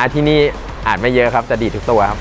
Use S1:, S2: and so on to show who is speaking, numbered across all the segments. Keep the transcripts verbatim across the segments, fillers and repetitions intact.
S1: ที่นี่อาจไม่เยอะครับแต่ดีทุกตัวครับ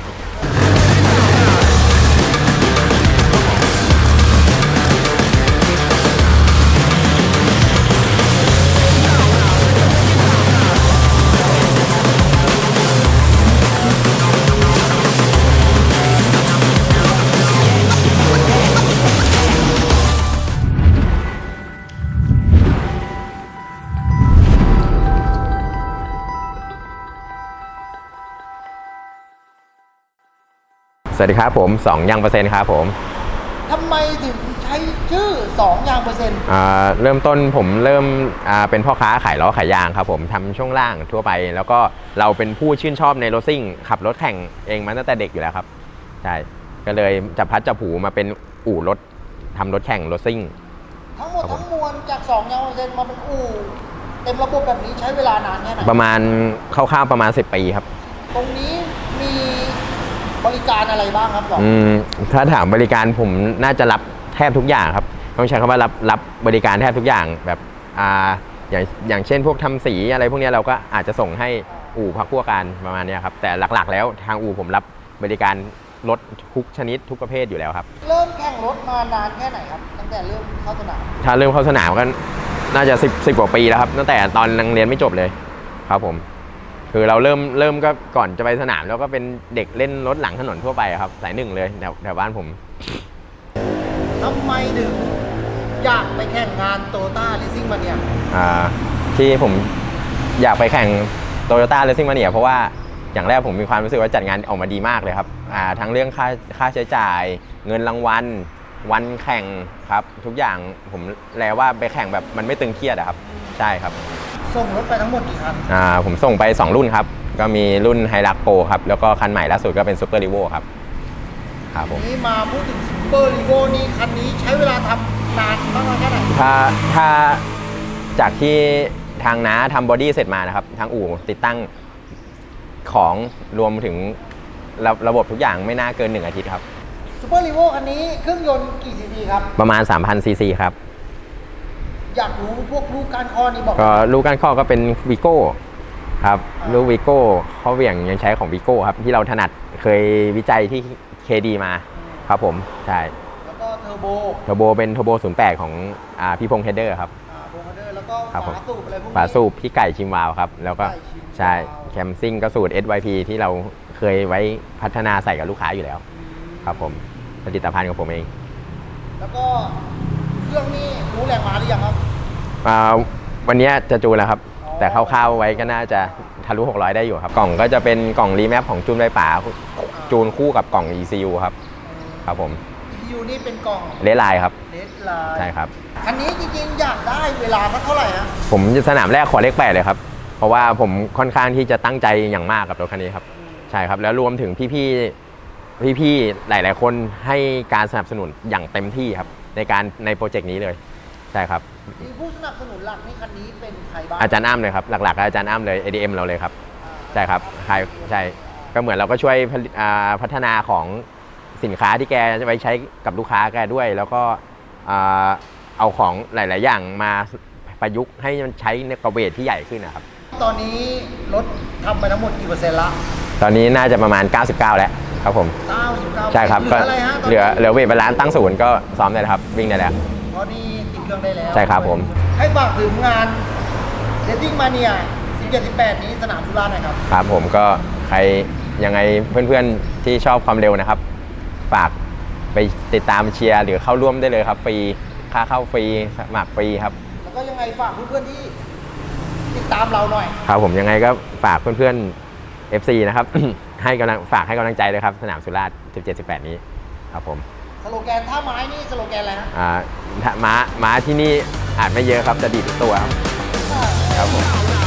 S1: สวัสดีครับผมสองยางเปอร์เซ็นต์ครับผม
S2: ทำไมถึงใช้ชื่อสองยางเปอร์เซ็นต์
S1: อ่าเริ่มต้นผมเริ่มอ่าเป็นพ่อค้าขายล้อขายยางครับผมทำช่วงล่างทั่วไปแล้วก็เราเป็นผู้ชื่นชอบในรถซิ่งขับรถแข่งเองมาตั้งแต่เด็กอยู่แล้วครับใช่ก็เลยจับพัดจับผูมาเป็นอู่รถทำรถแข่งรถซิ่ง
S2: ทั้งหมดทั้งมวลจากสองยางเปอร์เซ็นต์มาเป็นอู่เต็มระบบแบบนี้ใช้เวลานานแค่ไหน
S1: ประมาณคร่าวๆประมาณสิบปีครับ
S2: ตรงนี้มีบริการอะไรบ้างครับหรอ
S1: อืมถ้าถามบริการผมน่าจะรับแทบทุกอย่างครับต้องใช้คำว่ารับรับบริการแทบทุกอย่างแบบอ่าอย่างอย่างเช่นพวกทำสีอะไรพวกนี้เราก็อาจจะส่งให้อู่พักพวกกันประมาณนี้ครับแต่หลักๆแล้วทางอู่ผมรับบริการรถทุกชนิดทุกประเภทอยู่แล้วครับ
S2: เริ่มแข่งรถมานานแค่ไหนครับตั้งแต่เริ่มเข้าสนาม
S1: ถ้าเริ่มเข้าสนามก็น่าจะสิบสิบกว่าปีแล้วครับตั้งแต่ตอนยังเรียนไม่จบเลยครับผมคือเราเริ่มเริ่มก็ก่อนจะไปสนามแล้วก็เป็นเด็กเล่นรถหลังถนนทั่วไปครับสายหนึ่งเลยแถวแถวบ้านผม
S2: ทำไมถึงอยากไปแข่งงานโตโยต้าเรซซิ่งมาเนีย
S1: อ่าที่ผมอยากไปแข่งโตโยต้าเรซซิ่งมาเนียเพราะว่าอย่างแรกผมมีความรู้สึกว่าจัดงานออกมาดีมากเลยครับอ่าทั้งเรื่องค่าค่าใช้จ่ายเงินรางวัลวันแข่งครับทุกอย่างผมแลว่าไปแข่งแบบมันไม่ตึงเครียดอะครับใช่ครับ
S2: ส่งรถไปทั้งหมดกี่คัน
S1: อ่าผมส่งไปสองรุ่นครับก็มีรุ่นไฮรักโปรครับแล้วก็คันใหม่ล่าสุดก็เป็นซูเปอร์ลีโวครับครับผม
S2: นี่มาพูดถึงซูเปอร์ลีโวนี่คันนี้ใช้เวลาทำนานมากน้อยแค่ไหน
S1: ถ้าถ้าจากที่ทางน้าทำบอดี้เสร็จมานะครับทางอู่ติดตั้งของรวมถึงระระบบทุกอย่างไม่น่าเกินหนึ่งอาทิตย์ครับ
S2: ซูเปอร์ลีโวคันนี้เครื่องยนต์กี่ซีซีครับ
S1: ประมาณ สามพัน ซีซีครับ
S2: อยากรู้พวกลูกก้านคอนี่บอก
S1: ก็ลูกก้านคอก็เป็นวีโก้ครับลูกวีโก้ข้อเหวี่ยงยังใช้ของวีโก้ครับที่เราถนัดเคยวิจัยที่ เค ดี มาครับผมใช่
S2: แล้วก็เทอร์โบ
S1: เทอร์โบเป็นเทอร์โบศูนย์แปดของอ่าพี่พงษ์เฮดเดอร์ครับ
S2: อ่าพงษ์เฮดเดอร์แล้วก็ฝาสูบอะไรพวกนี้
S1: ฝาสูบพี่ไก่ชิมวาวครับแล้วก็ใช่แคมซิ่งก็สูตร เอส วาย พี ที่เราเคยไว้พัฒนาใส่กับลูกค้าอยู่แล้วครับผมผลิตภัณฑ์ของผมเอง
S2: แล้วก็เครื่องนี้รู้แรงม้าหรือยังครับ
S1: วันนี้จะจูนแล้วครับแต่คร่าวๆไว้ก็น่าจะทะลุหกร้อยได้อยู่ครับกล่องก็จะเป็นกล่องรีแมปของจูนไฟป่าจูนคู่กับกล่อง อี ซี ยู ครับครับผม
S2: อี ซี ยู นี่เป็นกล่อง
S1: เลดไลน์ครับ
S2: เลดไลน์
S1: ใช่ครับ
S2: คันนี้จริงๆอยากได้เวลาเท่าไหร่นะ
S1: ผมสนามแรกขอเลขแปดเลยครับเพราะว่าผมค่อนข้างที่จะตั้งใจอย่างมากกับรถคันนี้ครับใช่ครับแล้วรวมถึงพี่ๆพี่ๆหลายๆคนให้การสนับสนุนอย่างเต็มที่ครับในการในโปรเจกต์นี้เลยใช่ครับ
S2: ผู้สนับสนุนหลักในคันนี้เป็นใครบ้าง
S1: อาจารย์อ้ำเลยครับหลักๆอาจารย์อ้ำเลย เอ ดี เอ็ม เราเลยครับใช่ครับใช่ใช่ก็เหมือนเราก็ช่วยพัฒนาของสินค้าที่แกจะไปใช้กับลูกค้าแกด้วยแล้วก็เอาของหลายๆอย่างมาประยุกต์ให้มันใช้ในกระเวทที่ใหญ่ขึ้นนะครับ
S2: ตอนนี้รถทำไปทั้งหมดกี่เปอร์เซ็นต์ละ
S1: ตอนนี้น่าจะประมาณเก้าสิบเก้าแล้วครับผม
S2: เก้าสิบเก้า
S1: ใช่ครับก็เหลือเหลือเวทบาลานซ์ตั้งศูนย์ก็ซ้อมได้แล้วครับวิ่งได้แล้ว
S2: ตอนนี้ติดเครื่องได้แล้ว
S1: ใช่ครับผม
S2: ให้ฝากถึงงานเรซซิ่งมาเนียสิบเจ็ด สิบแปดนี้สนามสุราษฎร์นะครับ
S1: ครับผมก็ใครยังไงเพื่อนๆที่ชอบความเร็วนะครับฝากไปติดตามเชียร์หรือเข้าร่วมได้เลยครับฟรีค่าเข้าฟรีสมัครฟรีครับ
S2: แล้วก็ยังไงฝากเพื่อนๆที่ติดตามเราหน่อย
S1: ครับผมยังไงก็ฝากเพื่อนๆ เอฟ ซี นะครับ ให้กำลังฝากให้กำลังใจเลยครับสนามสุราษฎร์สิบเจ็ด สิบแปดนี้ครับผม
S2: สโลแกนท่าไม้นี่สโลแกนอะไรฮะ
S1: อ่าม้าม้าที่นี่อาจไม่เยอะครับจะดีทุกตัวครับครับผม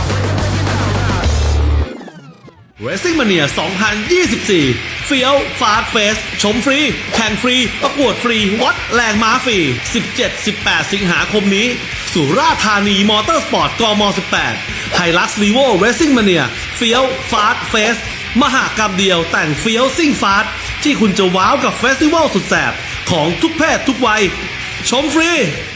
S3: Racing Mania สองพันยี่สิบสี่เฟี้ยวฟาสต์เฟสชมฟรีแข่งฟรีประกวดฟรีวัดแรงม้าฟรี สิบเจ็ด สิบแปด สิงหาคมนี้สุราษฎร์ธานีมอเตอร์สปอร์ตกมสิบแปดไฮลักซ์ลีโว Racing Mania เฟี้ยวฟาสต์เฟสมหกรรมเดียวแต่งเฟี้ยวซิ่งฟาสต์ที่คุณจะว้าวกับเฟสติวัลสุดแสบของทุกเพศทุกวัยชมฟรี